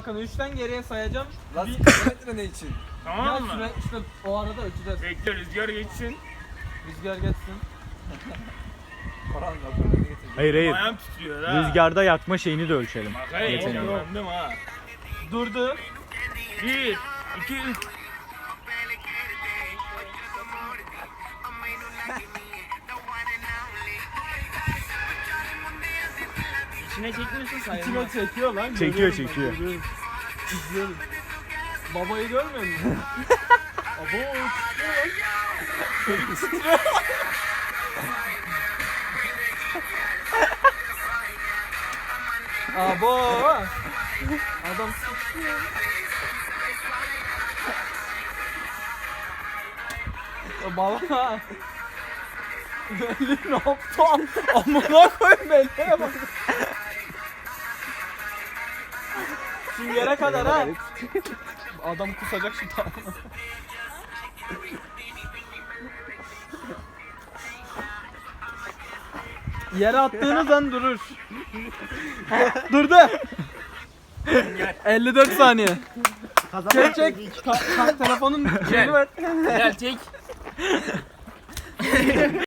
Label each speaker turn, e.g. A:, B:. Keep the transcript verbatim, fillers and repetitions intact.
A: bakın üçten geriye sayacağım.
B: Lan
A: Bir-
B: kilometre ne için?
A: Ya
C: Tamam mı?
A: süre işte o arada ölçeceğiz.
C: Bekle rüzgar geçsin.
A: Rüzgar geçsin.
B: Koran raporunu getirdim.
D: Hayır hayır.
C: Ayağım titriyor ha.
D: Rüzgarda yakma şeyini de ölçelim.
C: Bak hayır
D: Yeteneği.
C: öğrendim ha.
A: Durdu.
C: Bir, iki, üç. İçine çekmiyorsun sayılmaz.
A: İçime çekiyor lan.
D: Çekiyor,
A: görüyorum ben,
D: çekiyor.
A: görüyorum. İzliyorum. Babayı görmüyor musun? Abo. Abo. Adam sıçrıyor. Ya baba. Belli ne yaptı? Amına koyayım belliye bak. Şu yere kadar ha. Adam kusacak şu tamam. Yere attığınız an durur. Durdu. elli dört saniye. Çek çek. Ka- ka- telefonun şeyini ver.
C: Gel çek.